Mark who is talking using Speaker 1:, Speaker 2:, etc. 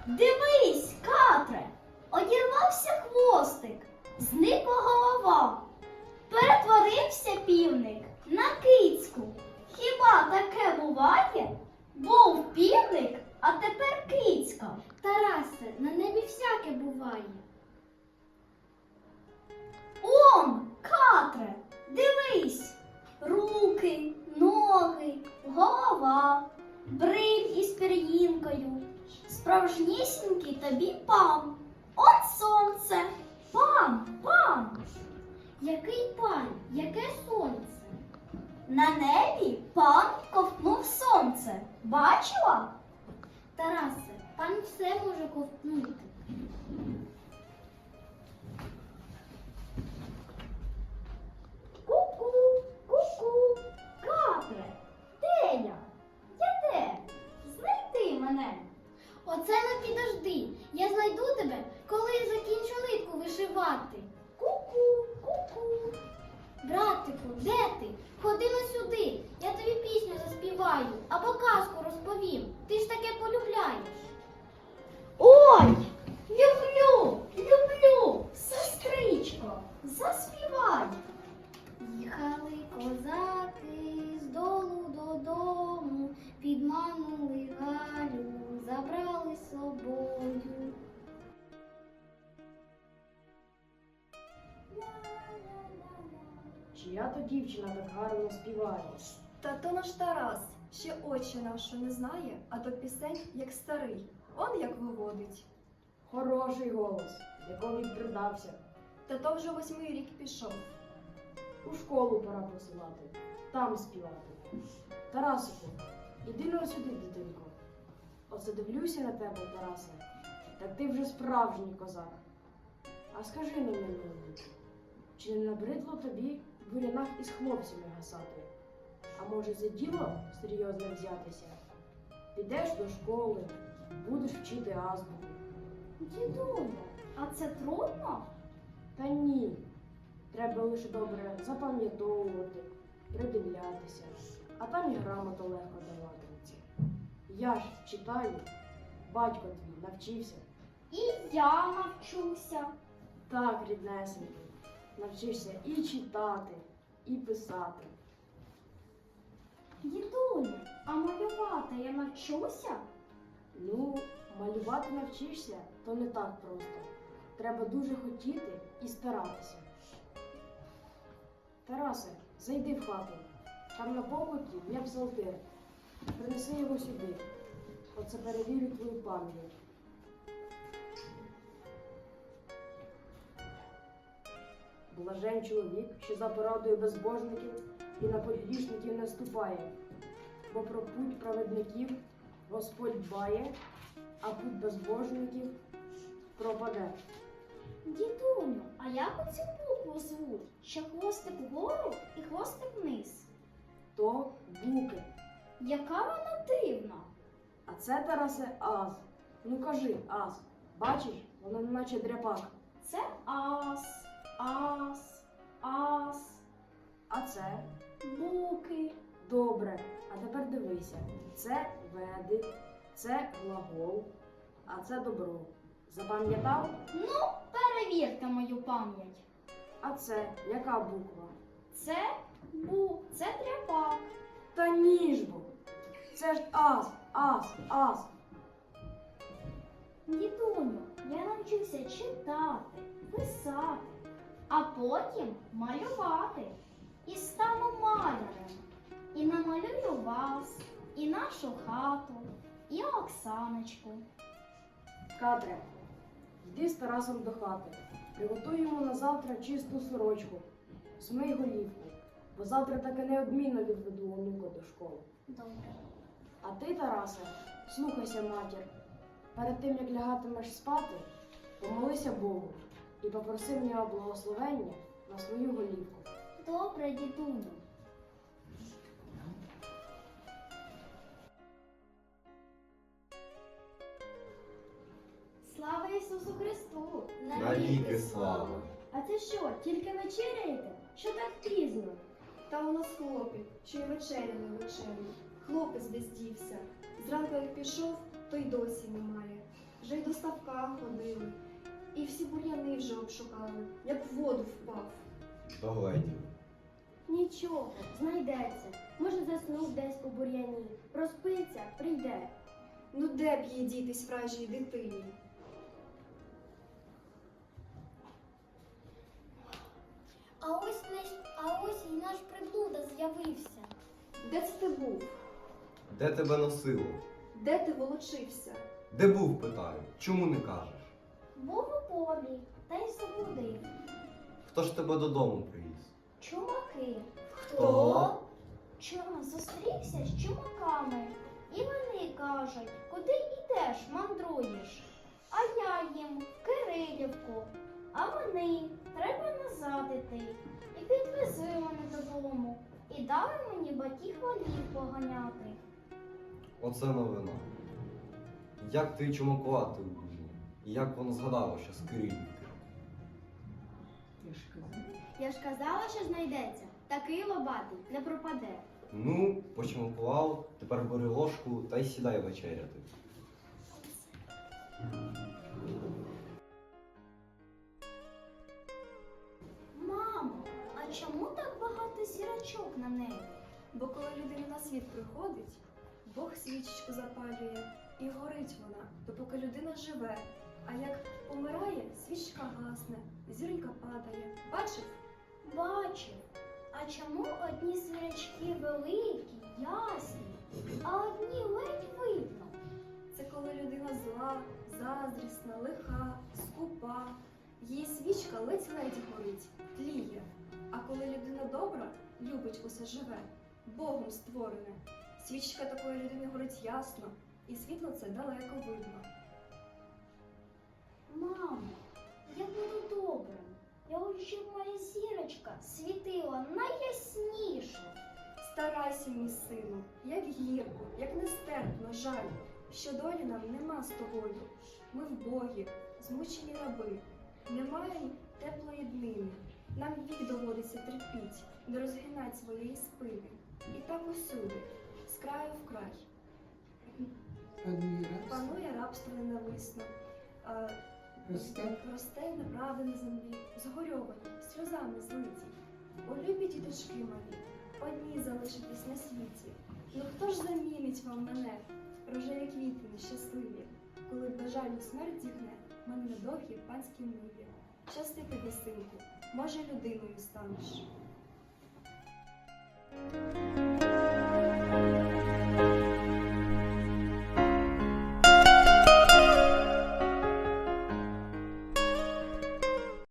Speaker 1: Дивись, Катре, одірвався хвостик, зникла голова. Перетворився півник на кицьку. Хіба таке буває? Був півник, а тепер кицька.
Speaker 2: Тарасе, на небі всяке буває.
Speaker 1: Он, Катре, дивись, руки, ноги, голова, бриль із пір'їнкою, справжнісінький тобі пан. От сонце, пан.
Speaker 2: Який пан, яке сонце?
Speaker 1: На небі пан ковтнув сонце. Бачила?
Speaker 2: Тарасе, пан все може ковтнути.
Speaker 1: Ку-ку, ку-ку, Катре, де я? Я де? Знайди мене.
Speaker 2: Оце не підожди. Я знайду тебе, коли закінчу нитку вишивати.
Speaker 1: Ку-ку, ку-ку.
Speaker 2: Братику, де ти? Ходи на сюди. Я тобі пісню заспіваю або казку розповім. Ти ж таке полюбляєш.
Speaker 1: Ой, люблю, сестричко, заспівай.
Speaker 2: Їхали козаки з долу додому, підманули Галю, забрали з собою.
Speaker 3: Чия то дівчина так гарно співає?
Speaker 4: Та то наш Тарас ще очі нашу не знає, а до пісень як старий. Он як виводить.
Speaker 3: Хороший голос, якому й придався.
Speaker 4: Та то вже 8-й рік пішов.
Speaker 3: У школу пора посилати, там співати. Тарасику, іди на сюди, дитинко. Оце дивлюся на тебе, Тарасе, так ти вже справжній козак. А скажи мені, милий, чи не набридло тобі в бурянах із хлопцями гасати? А може за діло серйозно взятися? Підеш до школи, будеш вчити азбуку.
Speaker 1: Дідуля, а це трудно?
Speaker 3: Та ні. Треба лише добре запам'ятовувати, придивлятися, а там і грамоту легко даватиметься. Я ж читаю, батько твій навчився.
Speaker 1: І я навчуся.
Speaker 3: Так, ріднесенький, навчишся і читати, і писати.
Speaker 1: Дідуля, а малювати я навчуся?
Speaker 3: Ну, малювати навчишся, то не так просто. Треба дуже хотіти і старатися. Тарасе, зайди в хату. Там на покуті є псалтир. Принеси його сюди. Оце перевірю твою пам'ять. Блажен чоловік, що за порадою безбожників і на грішників не ступає, бо про путь праведників Господь дбає, а путь безбожників пропаде.
Speaker 1: Дідуню, а як оцю букву звуть? Що хвостик вгору і хвостик вниз?
Speaker 3: То буки.
Speaker 1: Яка вона дивна?
Speaker 3: А це, Тарасе, аз. Ну кажи, аз. Бачиш, воно неначе дряпак.
Speaker 1: Це ас, ас, ас,
Speaker 3: А це
Speaker 1: буки.
Speaker 3: добре. А тепер дивися. Це веди, це глагол, а це добро. Запам'ятав?
Speaker 1: Ну, перевірте мою пам'ять.
Speaker 3: А це яка буква?
Speaker 1: Це це тряпак.
Speaker 3: Та ніж бо. Це ж аз, аз.
Speaker 1: Дідуню, я навчуся читати, писати, а потім малювати. І стану малярем. І намалюю вас, і нашу хату, і Оксаночку.
Speaker 3: Катре, йди з Тарасом до хати. Приготуємо на завтра чисту сорочку. Змий голівку, бо завтра таки неодмінно відведу онука до школи.
Speaker 1: Добре.
Speaker 3: А ти, Тарасе, слухайся матір. Перед тим, як лягатимеш спати, помолися Богу і попроси в нього благословення на свою голівку.
Speaker 1: Добре, дідуню. Слава Ісусу Христу!
Speaker 5: Навіки слава!
Speaker 1: А це що, тільки вечеряєте? Що так пізно?
Speaker 4: Та у нас хлопець, що й вечеря не вечерю. Хлопець десь дівся. Зранку як пішов, то й досі немає. Вже й до ставка ходили, і всі бур'яни вже обшукали, як в воду впав.
Speaker 5: Догледів.
Speaker 2: Нічого, знайдеться. Може, заснув десь у бур'яні. Проспиться, прийде.
Speaker 4: Ну де б їй дітись вражій дитині?
Speaker 2: А ось і наш приблуда з'явився.
Speaker 4: Де це ти був?
Speaker 5: Де тебе носило?
Speaker 4: Де ти волочився?
Speaker 5: Де був, питаю? Чому не кажеш?
Speaker 1: Був у полі, та й заблудив.
Speaker 5: Хто ж тебе додому привіз?
Speaker 1: Чумаки.
Speaker 5: Хто?
Speaker 1: Чому зустрівся з чумаками? І вони кажуть, куди йдеш, мандруєш? А я їм в Кирилівку. А вони треба назад іти. І підвезли мене додому. І дали мені батьків волів поганяти.
Speaker 5: Оце новина. Як ти чумакувати вмів? І як воно згадало, що з Кирилівки?
Speaker 2: Я ж казала, що знайдеться. Такий лобатий не пропаде.
Speaker 5: Ну, почмакував, тепер бери ложку та й сідай вечеряти.
Speaker 1: Мамо, а чому так багато зірочок на небі?
Speaker 4: Бо коли людина на світ приходить, Бог свічечку запалює і горить вона, допоки людина живе. А як помирає, свічка гасне, зіронька падає. Бачив?
Speaker 1: Бачив. А чому одні зірочки великі, ясні, а одні ледь видно?
Speaker 4: Це коли людина зла, заздрісна, лиха, скупа. Її свічка ледь-ледь горить, тліє. А коли людина добра, любить усе живе, Богом створене. Свічка такої людини горить ясно, і світло це далеко видно.
Speaker 1: Мамо, я буду добрим. Я хочу, щоб моя зірочка світила найясніше.
Speaker 4: Старайся, мій сину, як гірко, як нестерпно жаль, що долі нам нема з тобою. Ми вбогі, змучені раби, немає теплої днини. Нам вік доводиться терпіть, не розгинать своєї спини. І так усюди, з краю в край. Панує рабство ненависно. Росте неправда на землі, згорьовані, сльозами злиті. О, любі діточки мої, одні залишитесь на світі. Ну хто ж замінить вам мене, рожеві квіти нещасливі, коли бажальну смерть зігне мене на довгій панській ниві. Щасти тобі, синку, може людиною станеш.